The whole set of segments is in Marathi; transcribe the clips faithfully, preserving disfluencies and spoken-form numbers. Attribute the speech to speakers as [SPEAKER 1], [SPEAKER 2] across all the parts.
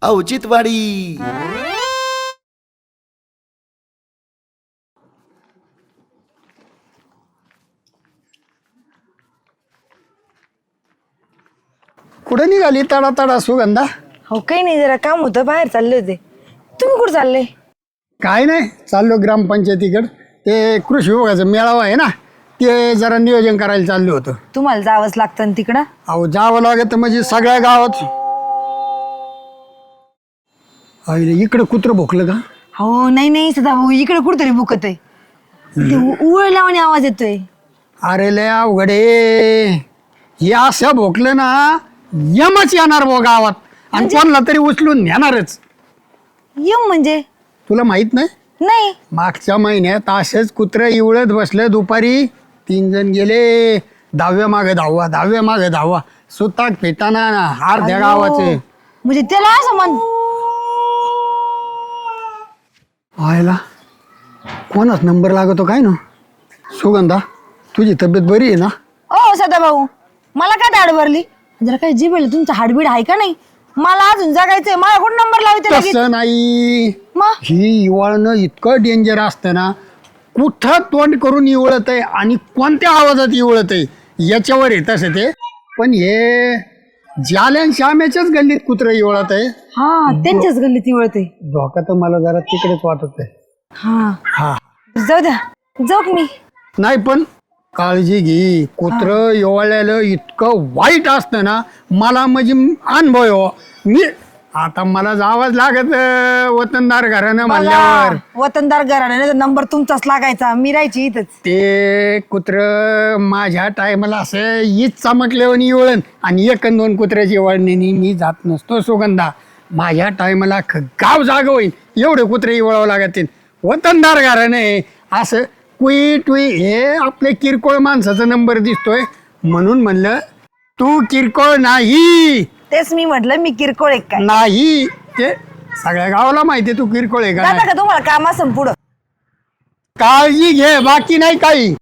[SPEAKER 1] औचित्यवाडी.
[SPEAKER 2] कुठे निघाली तडा तडा सुगंधा?
[SPEAKER 3] हो काही नाही, जरा काम होतं, बाहेर चालले होते. तुम्ही कुठं चालले?
[SPEAKER 2] काय नाही, चाललो ग्रामपंचायतीकडे. ते कृषी विभागाचा मेळावा आहे ना, ते जरा नियोजन करायला चाललो होतं.
[SPEAKER 3] तुम्हाला जावंच लागतं ना तिकडं.
[SPEAKER 2] अहो जावं लागत म्हणजे सगळ्या गावात. अरे इकडं कुत्रं भोकलं का?
[SPEAKER 3] हो नाही नाही सदा भाऊ, इकडे कुठतरी बुकत आहे. ते उळ लावणे आवाज येतोय.
[SPEAKER 2] अरे लय अवघड आहे. हे असं भोकलं ना, यमच येणार बो गावात आणि कोणला तरी उचलून नेणारच.
[SPEAKER 3] यम म्हणजे?
[SPEAKER 2] तुला माहित नाही?
[SPEAKER 3] नाही.
[SPEAKER 2] मागच्या महिन्यात असेच कुत्रं इवळत बसले दुपारी. तीन जण गेले, दहाव्या मागे दहावा दहाव्या मागे दहावा सुताक फेटाना अर्ध्या गावाचे.
[SPEAKER 3] म्हणजे त्याला असं म्हण.
[SPEAKER 2] व्हायला कोणाच नंबर लागतो काय ना? सुगंधा तुझी तब्येत बरी आहे ना?
[SPEAKER 3] ओ सदा भाऊ, मला काय दाढ भरली? जरा काय जीभ तुमचं हाडबीड आहे का नाही? मला अजून जगायचंय, मला कोण नंबर लावते लगेच?
[SPEAKER 2] तसं नाही.
[SPEAKER 3] मग
[SPEAKER 2] ही इवळणं इतकं डेंजर असतं ना, कुठं तोंड करून इवळत आहे आणि कोणत्या आवाजात इवळत आहे याच्यावर येत असं ते. पण हे जाल्यान श्यामेच्याच गल्लीत कुत्रं इवळत आहे.
[SPEAKER 3] हा, त्यांच्याच गल्लीत वळते.
[SPEAKER 2] धोका तर मला जरा तिकडेच वाटत आहे.
[SPEAKER 3] हा
[SPEAKER 2] हा
[SPEAKER 3] जाऊ द्या, जाऊ का मी?
[SPEAKER 2] नाही पण काळजी घे. कुत्रं इवळलेलं इतकं वाईट असतं ना, मला म्हणजे अनुभव आहे हो. मी आता मला जावंच लागत वतनदार घरानं म्हणल्यावर.
[SPEAKER 3] वतनदार घराण्याचा नंबर तुमचाच लागायचा, मी राहायची इथंच.
[SPEAKER 2] ते कुत्र माझ्या टायमाला असं हीच चमकल्यावर इवळण आणि एक अन दोन कुत्र्याची इवळणी मी जात नसतो सुगंधा. माझ्या टायमाला गाव जाग होईल एवढे कुत्रे इवळावं लागतील. वतनदार घरानं आहे असं कुई टुई हे आपले किरकोळ माणसाचा नंबर दिसतोय म्हणून म्हणलं तू किरकोळ नाही.
[SPEAKER 3] तेच मी म्हटलं, मी किरकोळ एक काय
[SPEAKER 2] नाही ते सगळ्या गावाला माहिती तू किरकोळ आहे का
[SPEAKER 3] जाता
[SPEAKER 2] नाही.
[SPEAKER 3] का तुम्हाला काम असं पुढं?
[SPEAKER 2] काळजी घे, बाकी नाही काही.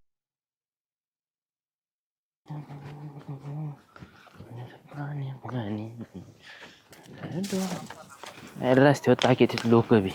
[SPEAKER 4] रस्त्यावर टाकीत लोक बी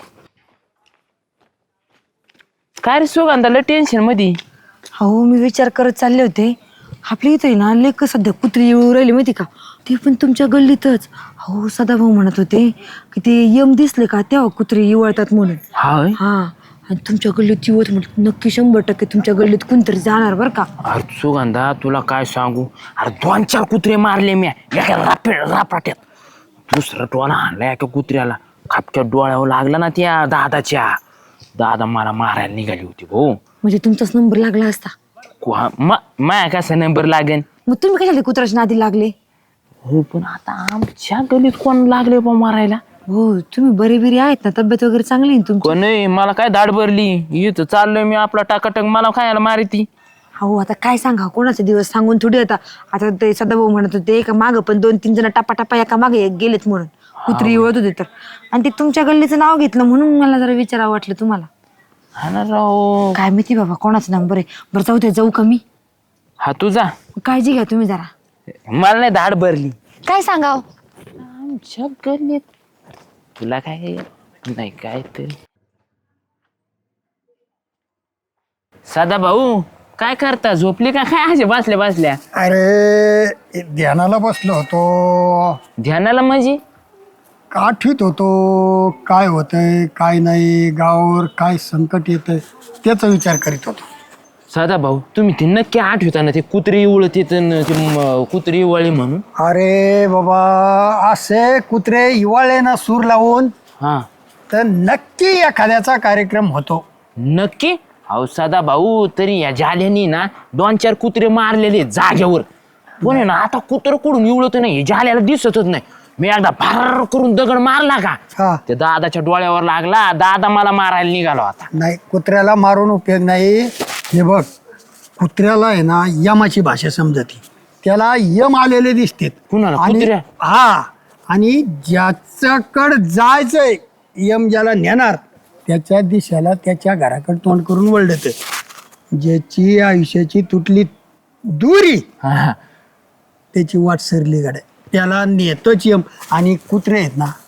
[SPEAKER 4] काय रे सुगंधाला टेन्शन मध्ये.
[SPEAKER 3] हो मी विचार करत चालले होते, आपल्या इथे ना लेक सध्या कुत्री येऊ राहिली माहिती का, ते पण तुमच्या गल्लीतच. हो सदाभाऊ म्हणत होते की ते यम दिसले का तेव्हा कुत्री येवळतात म्हणून.
[SPEAKER 4] हा
[SPEAKER 3] हा, आणि तुमच्या गल्लीत येवत म्हटलं नक्की शंभर टक्के तुमच्या गल्लीत कोणतरी जाणार बरं का.
[SPEAKER 4] अरे सुगंधा तुला काय सांगू, अरे दोन चार कुत्रे मारले मी एका रापे रापाट्यात. दुसरा टोला आणला एका कुत्र्याला, खापच्या डोळ्यावर लागला ना त्या दादाच्या. दादा मला मारायला निघाली होती भाऊ.
[SPEAKER 3] म्हणजे तुमचाच नंबर लागला असता.
[SPEAKER 4] माया कसा नंबर लागेल?
[SPEAKER 3] मग तुम्ही कशाला कुत्र्याच्या नादी लागले?
[SPEAKER 4] हो पण आता आमच्या गलीत कोण लागले बा मारायला?
[SPEAKER 3] हो तुम्ही बरे बिरे आहेत ना, तब्येत वगैरे चांगली आहे तुमची?
[SPEAKER 4] कोण नाही, मला काय दाढ भरली इथं चाललोय मी आपला टाकाटक, मला खायला मारती.
[SPEAKER 3] हो आता काय सांगा, कोणाचे दिवस सांगून थोडी. आता आता ते सदाभाऊ म्हणत होते एका मागं पण दोन तीन जण टपा टपा एका मागे गेलेत म्हणून, कुत्री ओळत होते तर. आणि ते तुमच्या गल्लीचं नाव घेतलं म्हणून मला जरा विचारावं वाटलं तुम्हाला.
[SPEAKER 4] हा ना राव.
[SPEAKER 3] काय माहिती बाबा कोणाचा नंबर आहे. बरं जाऊ दे, जाऊ का मी?
[SPEAKER 4] हा तुझा.
[SPEAKER 3] काळजी घ्या तुम्ही जरा.
[SPEAKER 4] मला नाही दाढ भरली.
[SPEAKER 3] काय सांगाव
[SPEAKER 4] आमच्या गल्लीत तुला काय नाही काय तरी. सदा भाऊ काय करता, झोपली का काय असे बसल्या बसल्या?
[SPEAKER 2] अरे ध्यानाला बसलो होतो.
[SPEAKER 4] ध्यानाला म्हणजे?
[SPEAKER 2] आठवीत होतो काय होतंय काय नाही, गावावर काय संकट येतंय त्याचा विचार करीत होतो.
[SPEAKER 4] सदा भाऊ तुम्ही ते नक्की आठवता ना, ते कुत्री उळत येत कुत्री वळी म्हणून?
[SPEAKER 2] अरे बाबा असे कुत्रे हिवाळे ना सूर लावून
[SPEAKER 4] हा
[SPEAKER 2] तर नक्की एखाद्याचा कार्यक्रम होतो.
[SPEAKER 4] नक्की. अहो सदा भाऊ तरी या जाल्यानी ना दोन चार कुत्रे मारलेले जाग्यावर. पण ना आता कुत्र कुठून इवळत नाही, जाल्याला दिसतच नाही. मी एकदा भार करून दगड मारला का
[SPEAKER 2] हा
[SPEAKER 4] ते दादाच्या डोळ्यावर लागला, दादा मला मारायला निघालो. आता
[SPEAKER 2] नाही, कुत्र्याला मारून उपयोग नाही. हे बघ कुत्र्याला आहे ना यमाची भाषा समजते, त्याला यम आलेले दिसते.
[SPEAKER 4] कुणाला?
[SPEAKER 2] आणि
[SPEAKER 4] कुत्र्या?
[SPEAKER 2] हा, आणि ज्याच्याकडे जायचंय यम ज्याला नेणार त्याच्या दिशेला त्याच्या घराकडे तोंड करून वळत. ज्याची आयुष्याची तुटली दुरी
[SPEAKER 4] हा.
[SPEAKER 2] त्याची वाट सरली गाड्या त्याला नेतोच यम. आणि कुत्रे आहेत ना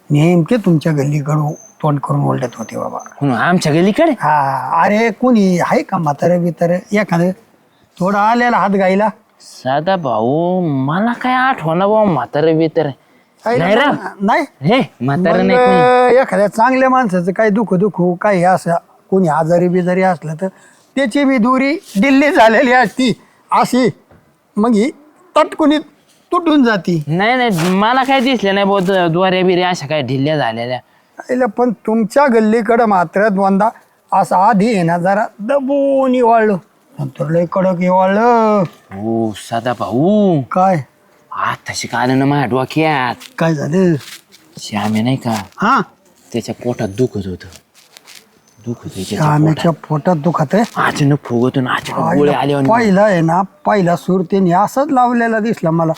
[SPEAKER 2] नेमके तुमच्या गल्लीकडून तोंड करून ओलटत होते बाबा.
[SPEAKER 4] हं, आमच्या गलीकडे
[SPEAKER 2] हा अरे कोणी आहे का म्हातारं बितारं एखादं थोडा आलेला हात गायला.
[SPEAKER 4] साधा भाऊ मला काय आठवण भाऊ म्हातारे बितर नाही रा
[SPEAKER 2] नाही
[SPEAKER 4] हे म्हातारे
[SPEAKER 2] मग,
[SPEAKER 4] नाही कोणी.
[SPEAKER 2] एखाद्या चांगल्या माणसाचं काही दुःख दुःख काही असं कोणी आजारी बिजारी असलं तर त्याची बी दुरी दिल्ली झालेली असती अशी मग ही तटकुनी तुटून जाती.
[SPEAKER 4] नाही नाही मला काय दिसलं नाही बहुत द्वारे बिरे अशा काय ढिल्ल्या झालेल्या.
[SPEAKER 2] आईला पण तुमच्या गल्लीकडं मात्र दोनदा असं आधी आहे ना जरा दबून इवाळलं नंतर लय कडक इवाळलं.
[SPEAKER 4] हो साधा भाऊ
[SPEAKER 2] काय
[SPEAKER 4] आताशी का आलं ना माझ्या डोक्यात.
[SPEAKER 2] काय झालं.
[SPEAKER 4] श्यामे नाही का
[SPEAKER 2] हा
[SPEAKER 4] त्याच्या पोटात दुखत होत दुखत होतं त्याच्या
[SPEAKER 2] आम्याच्या पोटात दुखत आहे.
[SPEAKER 4] पोटात. अचानक फुगतून अचानक गोळे आले आणि
[SPEAKER 2] पहिला आहे ना पहिला सूर त्याने असंच लावलेला दिसला मला.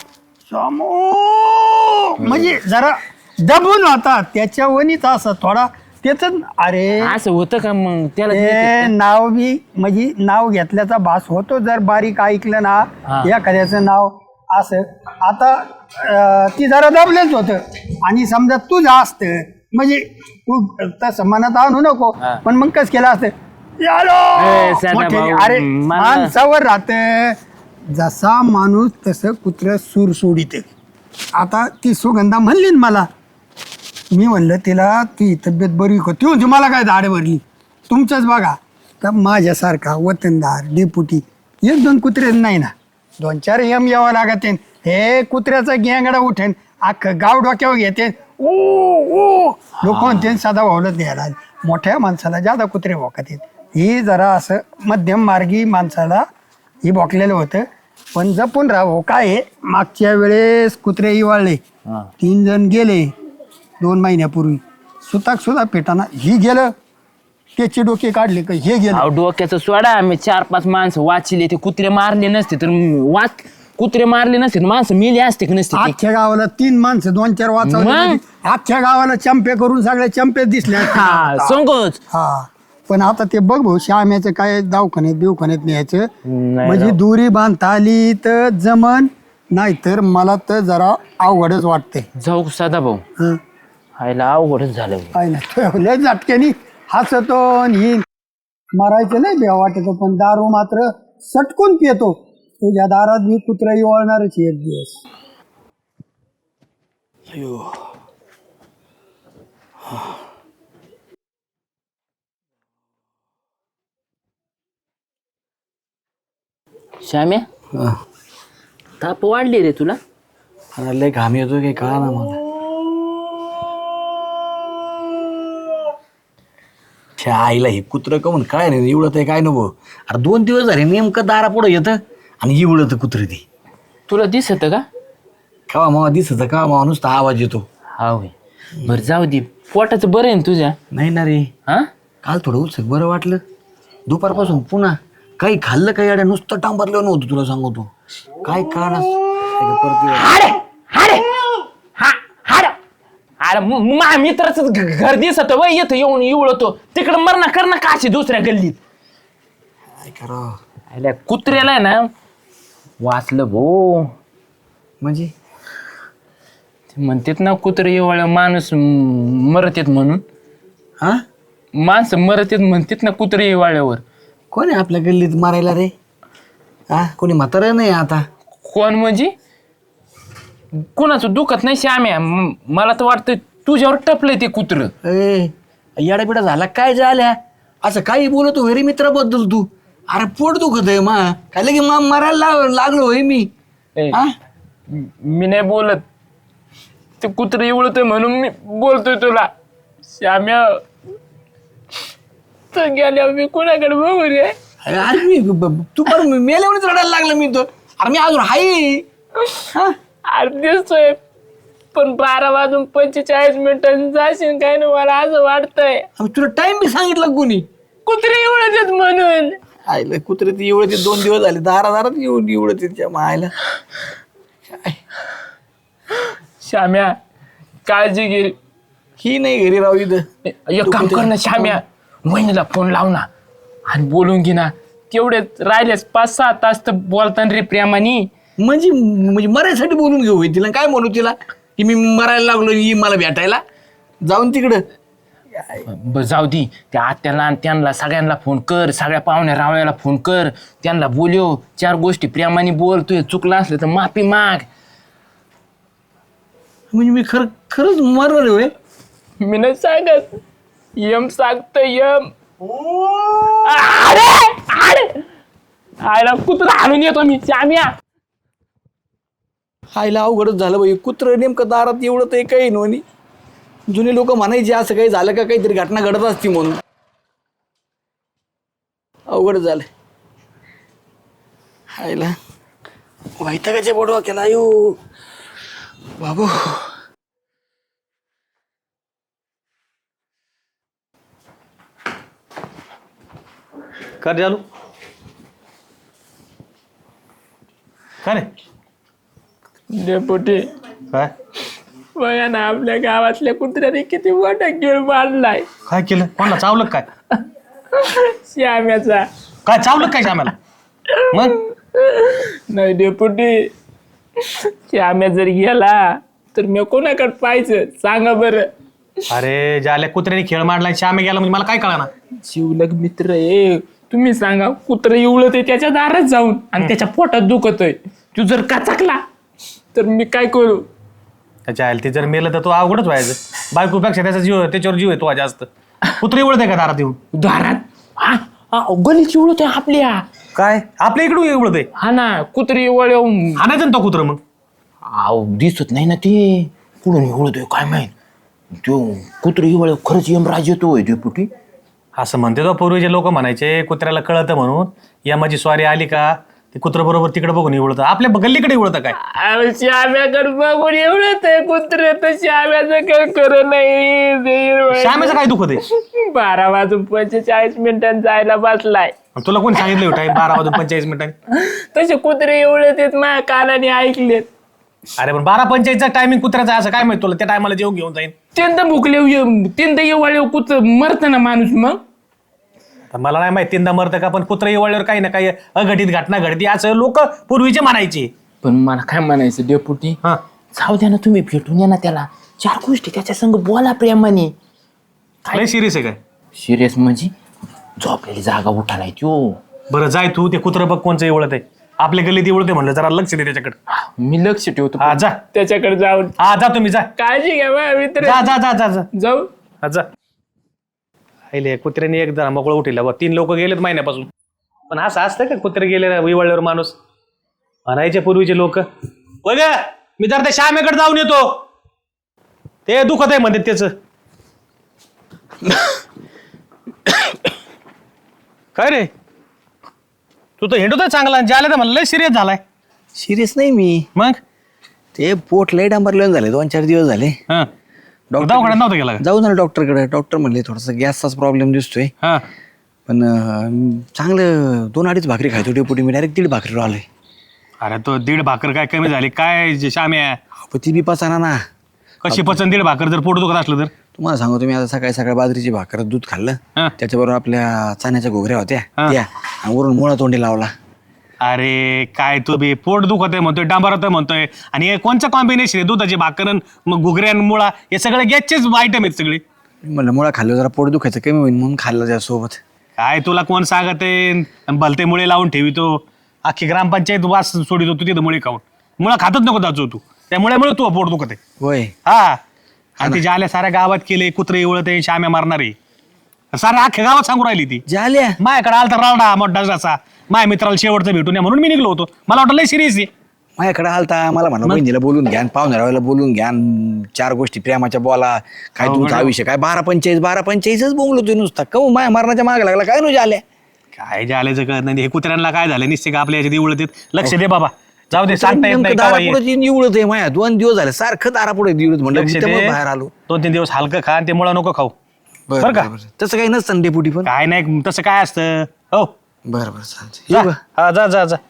[SPEAKER 2] समो म्हणजे जरा दबून होता त्याच्या वनीच असं थोडा त्याच. अरे
[SPEAKER 4] असं होतं का मग त्याला
[SPEAKER 2] ते नाव बी म्हणजे नाव घेतल्याचा भास होतो जर बारीक ऐकलं ना
[SPEAKER 4] हा.
[SPEAKER 2] एखाद्याचं नाव असं आता अं, ती जरा दबलेच होतं आणि समजा तुझं असतं म्हणजे तू तसं मनात आणू नको
[SPEAKER 4] हा.
[SPEAKER 2] पण मग कस केलं असतं यालो!
[SPEAKER 4] ए, साधा
[SPEAKER 2] मोठे-
[SPEAKER 4] भाऊ,
[SPEAKER 2] अरे
[SPEAKER 4] मला-
[SPEAKER 2] माणसावर राहत जसा माणूस तसं कुत्र सूर सोडित. आता ती सुगंधा म्हणली ना मला मी म्हणलं तिला ती तब्येत बरी का ती म्हणजे मला काय दाढ भरली तुमचंच बघा तर माझ्यासारखा वतनदार डेपुटी एक दोन कुत्रे नाही ना दोन चार यम यावं लागते. हे कुत्र्याचा गेंगडा उठेन अख्खं गाव डोक्यावर घेते ओ ओ लोक म्हणते साधा भावलंच घ्यायला मोठ्या माणसाला जादा कुत्रे भोकात येत. ही जरा असं मध्यम मार्गी माणसाला ही भोकलेलं होतं पण जपून राहावं. काय आहे मागच्या वेळेस कुत्रे इवाळले
[SPEAKER 4] हा.
[SPEAKER 2] तीन जण गेले दोन महिन्यापूर्वी सुताक सुद्धा पेटाना ही गेलं त्याचे डोके काढले का हे गेलं.
[SPEAKER 4] अहो, डोक्याचं सोडा मी चार पाच माणसं वाचले ते कुत्रे मारले नसते तर वाच कुत्रे मारले नसते तर माणसं मेली असते की नसते ते?
[SPEAKER 2] अख्ख्या गावाला तीन माणसं दोन चार वाचवले
[SPEAKER 4] मग?
[SPEAKER 2] म्हणजे अख्ख्या गावाला चंपे करून सगळे चंपे दिसले असते.
[SPEAKER 4] हा संकोच
[SPEAKER 2] हा पण आता ते बघ भाऊ श्याम्याचं काय दवाखान्यात बिवखान्यात न्यायचं
[SPEAKER 4] नाही
[SPEAKER 2] म्हणजे
[SPEAKER 4] राव.
[SPEAKER 2] दुरी बांधता आली तर जमन नाहीतर मला तर जरा अवघडच वाटते.
[SPEAKER 4] जाऊ साधा भाऊ
[SPEAKER 2] हं.
[SPEAKER 4] आईला अवघडच झालं
[SPEAKER 2] काय नाही लय झटक्यानी हसतो आणि ही मारायचं नाही बेवा वाटतो पण दारू मात्र सटकून पितो. तुझ्या दारात मी कुत्रा वळणारच एक दिवस.
[SPEAKER 4] श्याम्या ताप वाढली रे तुला.
[SPEAKER 1] लय घाम येतो काही कळा ना मला. त्या आईला हे कुत्रं कमून काय नाही एवढं ते काय नको. अरे दोन दिवस झाले नेमकं दारा पुढं येतं आणि एवढं कुत्रं ती
[SPEAKER 4] तुला दिसत का
[SPEAKER 1] केव्हा मावा दिसत का मावा नुसता आवाज येतो.
[SPEAKER 4] हा होय बरं जाऊ दे पोटाचं बरं आहे ना तुझ्या.
[SPEAKER 1] नाही ना रे
[SPEAKER 4] हा
[SPEAKER 1] काल थोडं उत्सुक बरं वाटलं दुपारपासून पुन्हा काही खाल्लं काही अड्या नुसतं टांबारलं नव्हतं तुला सांगतो काय कारण परत
[SPEAKER 4] हाडे हाडे हा हाड अरे म- मा मित्राच घर दिसत वय येतं येऊन इवळतो तिकडं मरणा कर ना काशी दुसऱ्या गल्लीत.
[SPEAKER 1] काय करावं
[SPEAKER 4] अरे कुत्र्याला आहे ना वाचलं भो
[SPEAKER 1] म्हणजे
[SPEAKER 4] ते म्हणतात ना कुत्रे इवळ माणूस म- मरतेत म्हणून.
[SPEAKER 1] हा
[SPEAKER 4] माणसं मरतेत म्हणतात ना कुत्रे इवाळ्यावर.
[SPEAKER 1] कोण आहे आपल्या गल्लीत मारायला रे. हा कोणी म्हातारं नाही आता.
[SPEAKER 4] कोण म्हणजे कुणाचं दुखत नाही श्याम्या म- मला तर वाटतं तुझ्यावर टपलंय ते कुत्र.
[SPEAKER 1] ए याडाबिडा झाला काय झाल्या असं काही बोलतो घरी मित्राबद्दल तू. अरे पोट दुखत आहे मा काय लगे मा मारायला लाग- लागलो होय मी.
[SPEAKER 4] ए,
[SPEAKER 1] हा?
[SPEAKER 4] मी नाही बोलत ते कुत्र इवळतोय म्हणून मी बोलतोय तुला. श्याम्या तर गेल्यावर मी कुणाकडे बघू रे.
[SPEAKER 1] अरे मी ब- ब- तू पण मेल्यावरच रडायला लागला मी तो. अरे मी अजून हाय. हा?
[SPEAKER 4] अरे दिसतोय पण बारा वाजून पंचेचाळीस मिनिटांनी जाशील काय ना मला असं वाटतंय
[SPEAKER 1] अरे तुला टाइम बी सांगितलं कोणी.
[SPEAKER 4] कुत्रे इवळत म्हणून.
[SPEAKER 1] आईला कुत्रे ती एवढे ते दोन दिवस झाले दारा दारात येऊन एवढं तिच्या मायला.
[SPEAKER 4] श्याम्या काळजी घे.
[SPEAKER 1] ही नाही घरी राहू इथं.
[SPEAKER 4] एक काम कर ना श्याम्या वहिनीला फोन लाव ना आणि बोलून घे ना तेवढे राहिलेच पाच सहा तास तर बोलताना रे प्रेमानी.
[SPEAKER 1] म्हणजे म्हणजे मरायसाठी बोलून घेऊ होय तिला काय म्हणू तिला की मी मरायला लागलो ही मला भेटायला. जाऊन तिकडं
[SPEAKER 4] ब- जाऊ दे त्या आत्याला आणि त्यांना सगळ्यांना फोन कर, सगळ्या पाहुण्या रावळ्याला फोन कर, त्यांना बोलव, चार गोष्टी प्रेमाने बोल, तुझं चुकलं असलं तर माफी माग.
[SPEAKER 1] म्हणजे मी खरं खरंच मरणार आहे होय?
[SPEAKER 4] मी नाही सांगत, यम सांगत यम. अरे अरे आयला कुत्रा आणून येतो मी श्याम्या.
[SPEAKER 1] हायला अवघडच झालं बाई, कुत्रं नेमकं दारात एवढं तर काही नव्हती. जुने लोक म्हणायचे असं काही झालं का काहीतरी घटना घडत असती म्हणून. अवघड झालं हायला. वैतागाच्या बोडवा केला यो बाबू.
[SPEAKER 5] कर चालू का रे
[SPEAKER 4] डेपुटी
[SPEAKER 5] काय
[SPEAKER 4] बघा ना, आपल्या गावातल्या कुत्र्याने किती मोठा गिळ मारलाय.
[SPEAKER 5] काय केलं कोणाला चावलं काय
[SPEAKER 4] श्याम्याचा.
[SPEAKER 5] काय चावलं काय श्यामाला मग
[SPEAKER 4] नाही डेपुटी, श्याम्या जर गेला तर मी कोणाकडे पाहायचं सांगा बरं.
[SPEAKER 5] अरे ज्याला कुत्र्याने खेळ मांडला श्यामे गेला म्हणजे मला काय कळना.
[SPEAKER 4] शिवलग मित्र आहे, तुम्ही सांगा. कुत्र इवळत आहे त्याच्या दारात जाऊन आणि त्याच्या पोटात दुखतोय, तू जर काचकला तर मी काय करू.
[SPEAKER 5] त्याच्या आयल ते जर मेलं तर तो अवघडच व्हायचं. बायकोपेक्षा त्याचा जीव त्याच्यावर जीव आहे तो जास्त. कुत्रे एवढत आहे का दारात येऊन
[SPEAKER 4] दारात हा हा, गलीची इवळत आहे आपल्या.
[SPEAKER 5] काय आपल्या इकडून एवढत आहे
[SPEAKER 4] हा ना, कुत्री इवळ
[SPEAKER 5] हाणायचं ना तो कुत्र मग.
[SPEAKER 4] आव दिसत नाही ना ते कुठून इवळतोय काय माहित. तो कुत्री इवळ खरंच यमराज येतोय डेपुटी.
[SPEAKER 5] असं म्हणते तो पूर्वीचे लोक म्हणायचे कुत्र्याला कळतं म्हणून. या माझी स्वारी आली का ते कुत्र बरोबर तिकडे बघून एवढतं. आपल्या गल्लीकडे एवढतं काय
[SPEAKER 4] श्याम्याकडे बघून एवढत आहे कुत्रे, तर श्याम्याचं काय खरं नाही.
[SPEAKER 5] श्यामेचं काय दुखत आहे.
[SPEAKER 4] बारा वाजून पंचेचाळीस मिनिटांनी जायला बसलाय.
[SPEAKER 5] तुला कोणी सांगितलं टाइम बारा वाजून पंचेचाळीस मिनिटांनी.
[SPEAKER 4] तसे कुत्रे एवढे आहेत माझ्या कानाने ऐकलेत.
[SPEAKER 5] अरे पण बारा पंचायतचा टायमिंग कुत्र्याचा असं काय माहिती तुला. त्या टायमाला जेवण घेऊन जाईन.
[SPEAKER 4] तीनदा भुकले तीनदा येवाळे कुत्र मरत ना माणूस. मग
[SPEAKER 5] तर मला नाही माहिती तीनदा मरतं का, पण कुत्रा येवळल्यावर काही ना काही अघटित घटना घडती असं लोक पूर्वीचे म्हणायचे.
[SPEAKER 4] पण मला काय म्हणायचं डेपुटी,
[SPEAKER 5] हा
[SPEAKER 4] जाऊ द्या ना, तुम्ही भेटून या ना त्याला, चार गोष्टी त्याच्या संग बोला प्रेमाने.
[SPEAKER 5] लय सिरियस आहे काय.
[SPEAKER 4] सिरियस म्हणजे झोपलेली जागा उठायला त्यो.
[SPEAKER 5] बरं जाय तू ते कुत्र बघ कोणचं एवढत आहे. आपल्या गल्लीत एवढत आहे म्हणलं जरा लक्ष दे त्याच्याकडे.
[SPEAKER 4] मी लक्ष ठेवतो
[SPEAKER 5] हा जा
[SPEAKER 4] त्याच्याकडे जाऊन.
[SPEAKER 5] हा जा तुम्ही जा
[SPEAKER 4] काळजी घ्या बा मित्र.
[SPEAKER 5] जा जा जा जा जा
[SPEAKER 4] जाऊ.
[SPEAKER 5] हा जा. आईले कुत्र्याने एक जरा मोकळं उठिला बा. तीन लोक गेलेत महिन्यापासून. पण असं असतं का कुत्रे गेले विवळल्यावर माणूस म्हणायचे पूर्वीचे लोक. बघा मी जर त्या श्यामेकडे जाऊन येतो ते दुखत आहे म्हणते त्याच. काय रे तू तर हिंडतोय चांगला, ज्याला तर म्हणलं लय सिरियस झालाय.
[SPEAKER 1] सिरियस नाही मी,
[SPEAKER 5] मग
[SPEAKER 1] ते पोट लय डांबरलेलं झाले, दोन चार दिवस झाले.
[SPEAKER 5] हा
[SPEAKER 1] डॉक्टर
[SPEAKER 5] दवाखान्यात नव्हतं गेला का?
[SPEAKER 1] जाऊ ना डॉक्टरकडे. डॉक्टर म्हणले थोडासा गॅसचाच प्रॉब्लेम दिसतोय,
[SPEAKER 5] हा
[SPEAKER 1] पण अं, चांगलं दोन अडीच भाकरी खायचो डेपुटी. मी डायरेक्ट दीड भाकरी आलोय.
[SPEAKER 5] अरे तो दीड भाकर काय कमी झाली काय जे श्याम्या.
[SPEAKER 1] पण ती बी पचाना ना.
[SPEAKER 5] कशी पचन दीड भाकर जर पोट दुखत असलं तर.
[SPEAKER 1] तुम्हाला सांगतो, तुम्ही आता सकाळी सकाळी बाजरीची भाकर दूध खाल्लं,
[SPEAKER 5] हा.
[SPEAKER 1] त्याच्याबरोबर आपल्या चण्याच्या घोगऱ्या होत्या
[SPEAKER 5] हा.
[SPEAKER 1] त्या, आणि वरून मुळा तोंडी लावला.
[SPEAKER 5] अरे काय तू बी पोट दुखत आहे म्हणतोय, डांबरत म्हणतोय, आणि हे कोणचं कॉम्बिनेशन आहे. दुधाची भाकरन मग घुगऱ्यान मुळा हे सगळे गॅसचेच आयटम आहेत सगळे.
[SPEAKER 1] म्हणलं मुळा खाल्लं जरा पोट दुखायचं कमी होईल म्हणून खाल्लं त्यासोबत.
[SPEAKER 5] काय तुला कोण सांगत आहे भलते मुळे लावून ठेवितो. अख्खी ग्रामपंचायत वास सोडितो तू तिथं मुळे खाऊन. मुळा खातच नको दाचो तू, त्यामुळे मुळे तू पोट दुखत आहे.
[SPEAKER 1] होय.
[SPEAKER 5] हा आणि ती ज्याला साऱ्या गावात केले कुत्रे एवढत आहे श्याम्या मारणारे साऱ्या अख्ख्या गावात सांगू राहिली ती.
[SPEAKER 1] झाल्या
[SPEAKER 5] माझ्याकडे आलता राडा मोठा असा माझ्या मित्राला शेवटचं भेटून या म्हणून मी निघलो होतो. मला वाटलं लय सिरियस आहे.
[SPEAKER 1] माझ्याकडे आलता, मला म्हणा बहिणीला बोलून घ्या, पाहुण्याला बोलून घ्या, चार गोष्टी प्रेमाच्या बोला, काय तुमचा आयुष्य काय. बारा पंचेचाळीस बारा पंचेचाळीसच बोंगलो तू नुसता. कमू माया मारण्याच्या मागे लागला काय नु झाल्या.
[SPEAKER 5] काय जे आल्याचं कळत नाही. हे कुत्र्यांना काय झालं निश्चित का आपल्या याच्यात एवढं देत. लक्ष दे बाबा, जाऊ दे, सांगता येत नाही केव्हा ये.
[SPEAKER 1] दारापुढे निवडत आहे माया. दोन दिवस झाले सारखं दारापुढे निवडत म्हणलं,
[SPEAKER 5] लक्ष
[SPEAKER 1] मी
[SPEAKER 5] दे.
[SPEAKER 1] त्यामुळे बाहेर आलो.
[SPEAKER 5] दोन तीन दिवस हलकं खा आणि ते मुळा नको खाऊ.
[SPEAKER 1] बरं
[SPEAKER 5] बरं का?
[SPEAKER 1] बरं. तसं काही नसतं ना डेपुटी पण.
[SPEAKER 5] काय नाही तसं काय असतं. हो
[SPEAKER 1] बरं बरं चालतं.
[SPEAKER 5] जा.
[SPEAKER 1] येऊ का?
[SPEAKER 5] हा जा जा जा.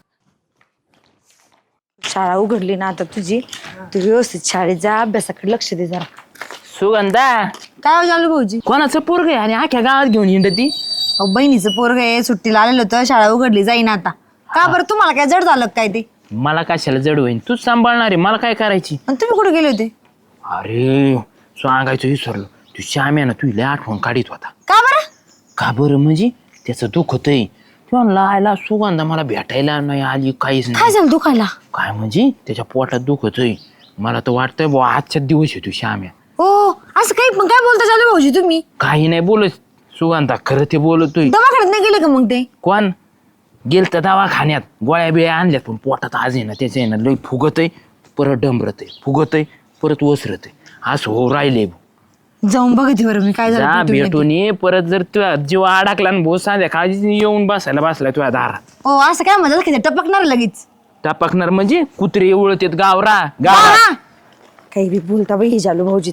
[SPEAKER 3] शाळा उघडली ना आता तुझी, तू व्यवस्थित शाळेत जा, अभ्यासाकडे लक्ष दे जरा.
[SPEAKER 4] सुगंधा
[SPEAKER 3] काय झालं भाऊजी?
[SPEAKER 4] कोणाचं पोरग आहे आणि अख्ख्या गावात घेऊन हिंडती.
[SPEAKER 3] अहो, बहिणीचं पोरग आहे, सुट्टीला आलेलं होतं, शाळा उघडली जाईन आता. का बरं, तुम्हाला काय जड झालं का काय ते?
[SPEAKER 4] मला कशाला जड होईन, तूच सांभाळणार आहे, मला काय करायची.
[SPEAKER 3] आणि तुम्ही कुठे गेले होते?
[SPEAKER 4] अरे सांगायचं विसरलो तू श्याम्या ना तुला आठवण काढीत होता.
[SPEAKER 3] का बरं?
[SPEAKER 4] का बरं म्हणजे त्याचं दुःख होतंय किंवा लायला सुगंधा मला भेटायला नाही आली काहीच
[SPEAKER 3] काय
[SPEAKER 4] नाही.
[SPEAKER 3] झालं दुखायला?
[SPEAKER 4] काय म्हणजे त्याच्या पोटात दुःख होतंय. मला तर वाटतंय बुवा आजच्या दिवस आहे तू श्याम्या.
[SPEAKER 3] हो असं काही पण काय बोलता चालू भाऊजी तुम्ही?
[SPEAKER 4] काही नाही बोलत सुगंधा, खरं ते बोलतोय.
[SPEAKER 3] दवाखान्यात नाही गेले का मग ते?
[SPEAKER 4] कोण गेल तर दवाखान्यात गोळ्या बिळ्या आणल्यात पण पोटात आज आहे ना त्याचं आहे ना लई फुगत आहे, परत डंबरत आहे, फुगत आहे, परत ओसरत आहे, असं हो राहिले.
[SPEAKER 3] जाऊन बघते बरं मी काय
[SPEAKER 4] जा
[SPEAKER 3] झालं ते
[SPEAKER 4] भेटून ये परत. जर तुझ्या जीव अडकला आणि भो सांध्या काळजी येऊन बसायला बसलाय तुझ्या दारात.
[SPEAKER 3] हो असं काय म्हणतात की ते टपकणार लगेच?
[SPEAKER 4] टपकणार म्हणजे कुत्रे एवढत येत गावरा
[SPEAKER 3] हा,
[SPEAKER 4] गावरा.
[SPEAKER 3] हा. काही बी बोलता बाई जालू भाऊजी.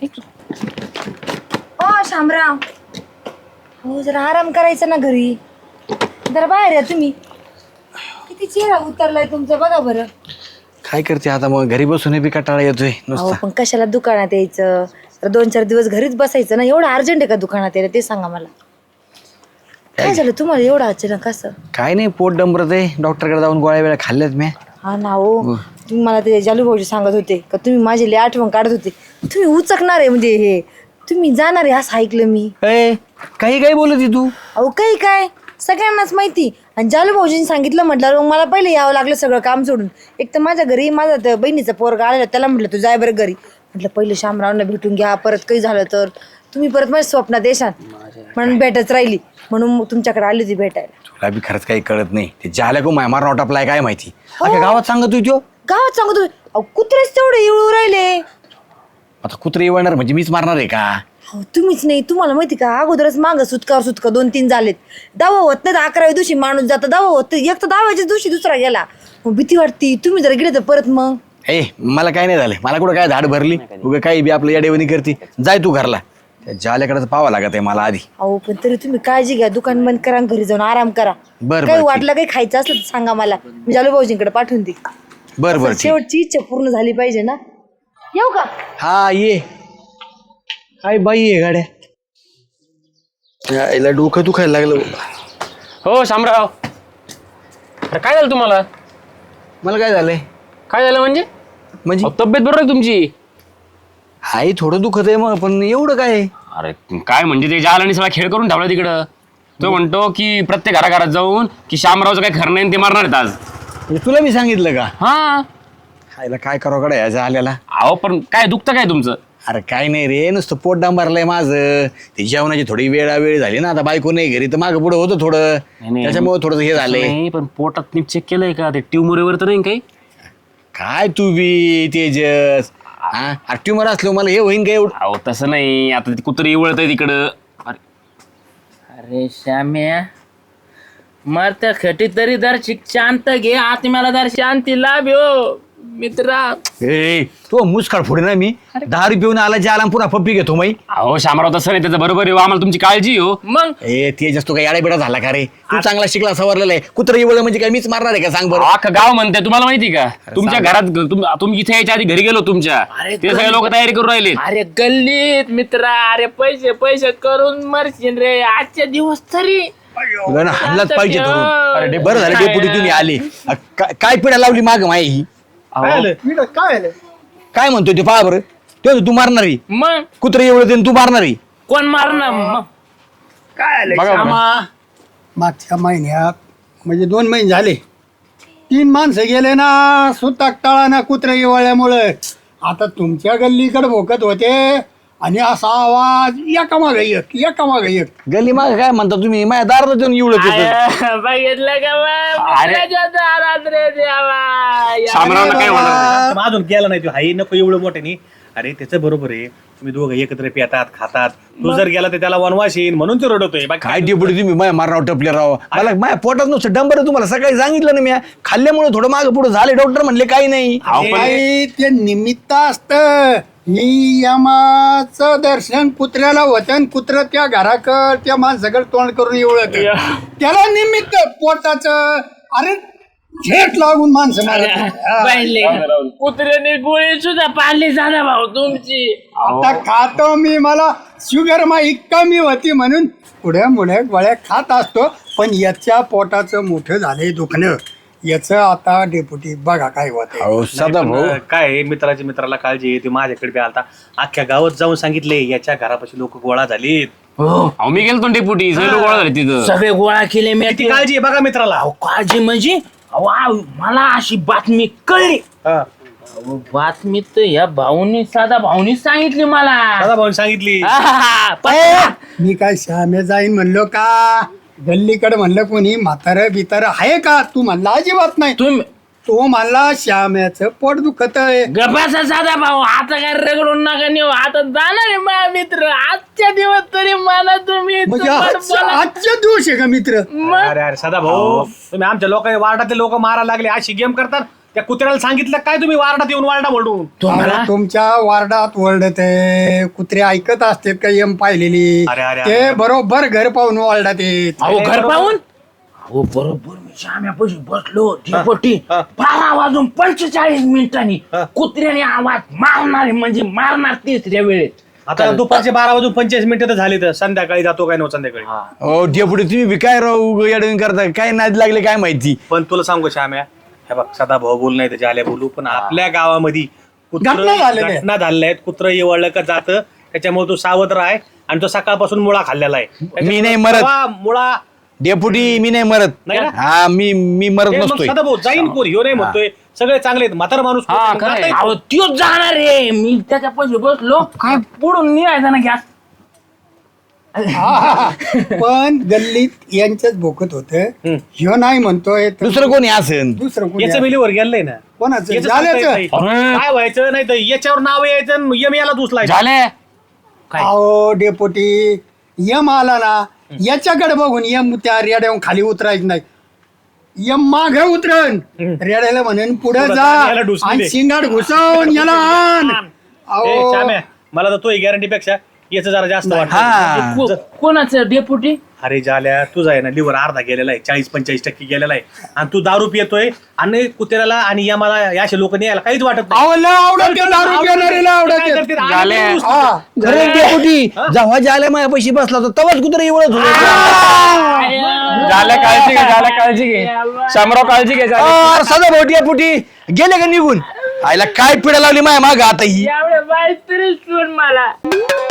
[SPEAKER 3] ओ शामराव, हो जरा आराम करायचा ना घरी, जरा बाहेर या तुम्ही. किती चेहरा उतरलाय तुमचा बघा बरं.
[SPEAKER 1] काय करते आता मग घरी बसून बी कंटाळा येतोय
[SPEAKER 3] अहो
[SPEAKER 1] नुसता.
[SPEAKER 3] पण कशाला दुकानात यायचं? तर दोन चार दिवस घरीच बसायचं ना. एवढं अर्जंट आहे का दुकानात यायला ते सांगा मला. काय झालं तुम्हाला एवढं अचानक असं?
[SPEAKER 1] काय नाही पोट डंबरत आहे, डॉक्टरकडे जाऊन गोळ्या वेळा खाल्ल्यात मी.
[SPEAKER 3] हा ना हो, तुम्ही मला ते जालू भाऊजी सांगत होते का तुम्ही माझी लई आठवण काढत होते. तुम्ही उचकणार आहे म्हणजे हे तुम्ही जाणार आहे असं ऐकलं मी.
[SPEAKER 1] ए, काही काही बोलत तू.
[SPEAKER 3] अहो काही काय सगळ्यांनाच माहिती. आणि जालू भाऊजींनी सांगितलं म्हटलं मग मला पहिले यावं लागलं सगळं काम सोडून. एक तर माझ्या घरी माझा त्या बहिणीचा पोरगा आलेला, त्याला म्हटलं तू जाय बरं घरी. म्हटलं पहिले शामरावना भेटून घ्या, परत काही झालं तर तुम्ही परत माझ्या स्वप्नात येशाल म्हणून भेटच राहिली, म्हणून मग तुमच्याकडे आली होती भेटायला.
[SPEAKER 1] तुला बी खरंच काही कळत नाही. ते झाल्या को मार नॉट अप्लाय काय माहिती अख्या गावात सांगत होती.
[SPEAKER 3] गावात सांगतो अहो कुत्रेच तेवढे येऊ राहिले.
[SPEAKER 1] आता कुत्रे येणार म्हणजे मीच मारणार आहे का?
[SPEAKER 3] हो तुम्हीच नाही, तुम्हाला माहिती का अगोदरच मागं सुटका सुटका दोन तीन झालेत. दावा होत नाही तर अकराव्या दिवशी माणूस जाता, दावा होत एक तर दावाच्या दिवशी दुसरा गेला. मग भीती वाटती तुम्ही जर गेले तर परत. मग
[SPEAKER 1] ए मला काय नाही झालं, मला कुठं काय धाड भरली उगा काही बी आपलं याडेवणी करते. जाय तू घरला, त्या जाल्याकडे पाहावं लागत आहे मला आधी.
[SPEAKER 3] अहो पण तरी तुम्ही काळजी घ्या, दुकान बंद करा, घरी जाऊन आराम करा.
[SPEAKER 1] बरं,
[SPEAKER 3] काही
[SPEAKER 1] ठीक.
[SPEAKER 3] वाटलं काही खायचं असलं तर सांगा मला, मी जालू भाऊजींकडे पाठवून दे.
[SPEAKER 1] बरं बरं ठीक.
[SPEAKER 3] शेवटची इच्छा पूर्ण झाली पाहिजे ना. येऊ का?
[SPEAKER 1] हा ये. काय बाई आहे गाड्या, यायला डोकं दुखायला लागलं.
[SPEAKER 5] हो शामराव, अरे काय झालं तुम्हाला?
[SPEAKER 1] मला काय झालंय?
[SPEAKER 5] काय झालं म्हणजे?
[SPEAKER 1] म्हणजे
[SPEAKER 5] अहो, तब्येत बरोबर आहे तुमची?
[SPEAKER 1] हाय थोडं दुखत आहे मग, पण एवढं काय?
[SPEAKER 5] अरे काय म्हणजे ते जाल आणि सगळा खेळ करून ठेवला तिकडं. तो म्हणतो की प्रत्येक घराघरात जाऊन की शामरावचं काय खरं नाही ते मारणार आहेत आज.
[SPEAKER 1] म्हणजे तुला मी सांगितलं का?
[SPEAKER 5] हा
[SPEAKER 1] खायला काय करावं कडे याच्या आल्याला.
[SPEAKER 5] अहो पण काय दुखतं काय तुमचं?
[SPEAKER 1] अरे काय नाही रे, नुसतं पोट डांबरलंय माझं. ते जेवणाची थोडी वेळा वेळ झाली ना, आता बायको नाही घरी तर मागं पुढं होतं थोडं,
[SPEAKER 5] नाही.
[SPEAKER 1] त्याच्यामुळे थोडं हे झालंय.
[SPEAKER 5] नाही पण पोटात नीट चेक केलंय का ते ट्यूमरवर तर नाही काही?
[SPEAKER 1] काय तू बी तेजस, हा ट्युमर असलो मला हे होईन काय एवढं?
[SPEAKER 5] अहो तसं नाही, आता ती कुत्री वळत आहे तिकडं. अरे
[SPEAKER 4] अरे श्याम्या मरत्या खटी तरी दर शिक शांत घे, आत्म्याला दर शांती लाभ हो मित्रा.
[SPEAKER 1] ए तो मुसकाळ फोडे ना मी. दहा रुपये येऊन आला जे आला पुन्हा पप्पी घेतो माई.
[SPEAKER 5] अहो शामराव तसं नाही, त्याचं बरोबर आहे, आम्हाला तुमची काळजी हो.
[SPEAKER 4] मग
[SPEAKER 1] ए तेजस तू काय याडा झाला का रे? तू चांगला शिकला सवरलेला आहे. कुत्र येवलं म्हणजे काय मीच मारणार आहे का सांग बरं?
[SPEAKER 5] अख्खं गाव म्हणते तुम्हाला माहिती का? तुमच्या घरात तुम- तुम्ही इथे यायच्या आधी घरी गेलो तुमच्या, ते सगळे लोक तयारी करून राहिले.
[SPEAKER 4] अरे गल्लीत मित्रा, अरे पैसे पैसे करून मरशील रे आजच्या दिवस तरी.
[SPEAKER 1] तुला ना हाणलाच पाहिजे धरून.
[SPEAKER 4] अरे
[SPEAKER 1] अरे बरं झालं डेपुटी तुम्ही आले. अ, काय काय पिढा लावली माग माई ही? काय म्हणतोय ते पहा बरं. तो तू मारणारी
[SPEAKER 4] मग
[SPEAKER 1] कुत्र एवढं तू मारणारी.
[SPEAKER 4] कोण मारणार मग?
[SPEAKER 2] श्यामा, मागच्या महिन्यात म्हणजे दोन महिने झाले तीन माणसं गेले ना सुताक टाळाना कुत्र्या येवाळ्यामुळे. आता तुमच्या गल्लीकडे भोकत होते आणि असा आवाज एका मागे एक एका मागे एक.
[SPEAKER 1] गल्ली माग काय म्हणता तुम्ही? माझ्या दारात येऊन एवढं
[SPEAKER 4] बघितलं का बा? मित्राच्या दारात रे देवा.
[SPEAKER 5] शामरावला काय म्हणणार?
[SPEAKER 6] मग अजून केला नाही तू हाई नको एवढं मोठ्याने. अरे त्याचं बरोबर आहे, तुम्ही दोघं एकत्र पितात खातात. तू जर गेला तर त्याला वनवास येईन म्हणून तो रडतोय. बाकी
[SPEAKER 1] काय डेपुटी तुम्ही माझ्या मारराव टपले राव. मला माझ्या पोटात नुसतं डंबर. तुम्हाला सकाळी सांगितलं ना मी, खाल्ल्यामुळे थोडं मागं पुढे झाले. डॉक्टर म्हणले काही नाही.
[SPEAKER 2] काही ते निमित्त असत. ही यमाचं दर्शन कुत्र्याला होतं, कुत्र त्या घराकड त्या माणसाकडे तोंड करून एवढत त्याला निमित्त पोटाचं. अरे झेट लागून माणसं मारत.
[SPEAKER 4] पाहिले कुत्र्याने गोळी सुद्धा पाळली झाला भाऊ तुमची.
[SPEAKER 2] आता खातो मी, मला शुगर माही कमी होती म्हणून पुढे मुळे गोळ्या खात असतो. पण याच्या पोटाचं मोठं झालंय दुखणं. याच आता डेप्युटी बघा काय होत
[SPEAKER 1] अहो सदा भाऊ
[SPEAKER 6] पण काय आहे, मित्राच्या मित्राला काळजी आहे. ते माझ्याकडे बी आलता, अख्ख्या गावात जाऊन सांगितले याच्या घरापाशी लोक गोळा झालीत.
[SPEAKER 4] हो
[SPEAKER 7] अहो मी गेलो डेपुटी सगळे लोक गोळा झाले तिथं.
[SPEAKER 4] सगळे गोळा केले मी
[SPEAKER 6] किती काळजी आहे बघा मित्राला.
[SPEAKER 4] अहो, काळजी म्हणजे अहो, आ, मला अशी बातमी कळली.
[SPEAKER 6] हा.
[SPEAKER 4] अहो, बातमी तर या भाऊनी साधा भाऊनी सांगितली मला.
[SPEAKER 6] दादा भाऊन सांगितली.
[SPEAKER 4] आहाहा, पत्ता.
[SPEAKER 2] मी काय श्यामे जाईन म्हणलो का गल्लीकडे म्हणलं कोणी म्हातारं बितार आहे का तू म्हणला अजिबात नाही
[SPEAKER 4] तुम्ही
[SPEAKER 2] तो म्हणला श्याम्याचं पोट दुखत आहे
[SPEAKER 4] गपासा साधा भाऊ आता काय रगडून नका नेऊ. आता जाणार आहे माझा मित्र आजच्या दिवस तरी मला तुम्ही
[SPEAKER 2] म्हणजे
[SPEAKER 4] तुम्हाला
[SPEAKER 2] आजच्या
[SPEAKER 4] बोला-
[SPEAKER 2] आजच्या दिवस आहे का मित्र
[SPEAKER 6] अरे अरे सदा भाऊ, तुम्ही आमच्या लोक वार्डातले लोक मारायला लागले अशी गेम करतात. त्या कुत्र्याला सांगितलं काय तुम्ही वार्डात येऊन वार्डा म्हणून.
[SPEAKER 4] तुम्हाला
[SPEAKER 2] अरे तुमच्या वार्डात ओरडत आहे कुत्रे ऐकत असतात का यम पाहिलेली
[SPEAKER 6] अरे, अरे,
[SPEAKER 2] ते
[SPEAKER 6] अरे.
[SPEAKER 2] बरोबर घर पाहून ओरडत येत
[SPEAKER 4] अहो घर पाहून अहो बरोबर मी श्याम्यापाशी बसलो ढिपोटी बारा वाजून पंचेचाळीस मिनिटांनी कुत्र्याने आवाज मारणार म्हणजे मारणार तिसऱ्या वेळेत.
[SPEAKER 6] आता दुपारचे बारा वाजून पंचेचाळीस मिनिटं तर झाली, तर संध्याकाळी जातो काय नव्हतं संध्याकाळी.
[SPEAKER 1] हो डेपुटी तुम्ही बी काय राहू अडवून करता काय नाद लागले काय माहिती.
[SPEAKER 6] पण तुला सांगू श्याम्या, हे बघ सदा भाऊ बोल नाही त्याच्या आल्या बोलू, पण आपल्या गावामध्ये कुत्रं-
[SPEAKER 2] घटना झालेल्या आहेत.
[SPEAKER 6] घटना झालेल्या आहेत. कुत्रं येवळलं का जातं, त्याच्यामुळे तू सावध राह. आणि तो सकाळपासून मुळा खाल्लेला आहे.
[SPEAKER 1] मी नाही मरत.
[SPEAKER 6] तेव्हा मुळा
[SPEAKER 1] डेपुटी मी नाही मरत.
[SPEAKER 6] नाही ना?
[SPEAKER 1] हा मी मी मरत
[SPEAKER 6] हे मग
[SPEAKER 1] नसतोय.
[SPEAKER 6] सदा भाऊ जाईन कोण ह्यो नाही म्हणतोय, सगळे चांगले आहेत. म्हातारा माणूस
[SPEAKER 7] हा,
[SPEAKER 6] कोण
[SPEAKER 7] खरं आहे.
[SPEAKER 6] जातंय.
[SPEAKER 4] अहो त्योच जाणार आहे. मी त्याच्यापाशी बसलो काय पुढून निघायचा ना गॅस.
[SPEAKER 2] पण गल्लीत यांच्याच भोकत होत ह्यो नाही म्हणतोय तर
[SPEAKER 1] दुसरं कोणी असेल.
[SPEAKER 2] दुसरं कोणी
[SPEAKER 6] याचं
[SPEAKER 2] आहे.
[SPEAKER 6] मिलीवर गेलंय ना.
[SPEAKER 2] कोणाचं
[SPEAKER 6] याचं सांगता येत
[SPEAKER 2] झाल्याचं
[SPEAKER 6] नाही. काय व्हायचं नाही तर याच्यावर नाव यायचं यम याला दुसलायचं.
[SPEAKER 7] झाले
[SPEAKER 2] अहो डेपोटी यम आला ना याच्याकडे बघून यम त्या रेड्या खाली उतरायचं नाही यम माग उतरण रेड्याला म्हणून पुढे
[SPEAKER 6] पुढं
[SPEAKER 2] जा
[SPEAKER 6] जा, याला ढुसली
[SPEAKER 2] आणि
[SPEAKER 6] दे.
[SPEAKER 2] शिंगाड घुसवून याला आण
[SPEAKER 6] ए,
[SPEAKER 2] अहो
[SPEAKER 6] श्याम्या, मला तर तो गॅरंटी पेक्षा याचं जरा जास्त वाटतं.
[SPEAKER 1] हा
[SPEAKER 4] को- कोणाचं डेपुटी
[SPEAKER 6] अरे झाल्या तुझा आहे ना लिव्हर अर्धा गेलेला आहे, चाळीस पंचेचाळीस टक्के गेलेला आहे. आणि तू दारू पितोय आणि कुत्र्याला आणि या मला या अशा लोकांनी यायला काहीच वाटत नाही.
[SPEAKER 2] अहो, लय आवडत ते दारू पिणारीला आवडत
[SPEAKER 6] काय
[SPEAKER 2] ते.
[SPEAKER 6] करतील? आणि
[SPEAKER 7] झाले.
[SPEAKER 6] तू-
[SPEAKER 2] हा.
[SPEAKER 1] खरे डेपुटी जेव्हा ज्याला माझ्या पैशी बसला होता तेव्हाच कुत्र एवढंच
[SPEAKER 7] झाल्या काळजी घे झाल्या काळजी घे शामराव काळजी घे झाल्या.
[SPEAKER 1] सदा भाऊ डेपुटी गेले का निघून आईला काय पिढा लावली माझ्या माग आता ही.
[SPEAKER 4] एवढ्या बाई तरी सोड मला.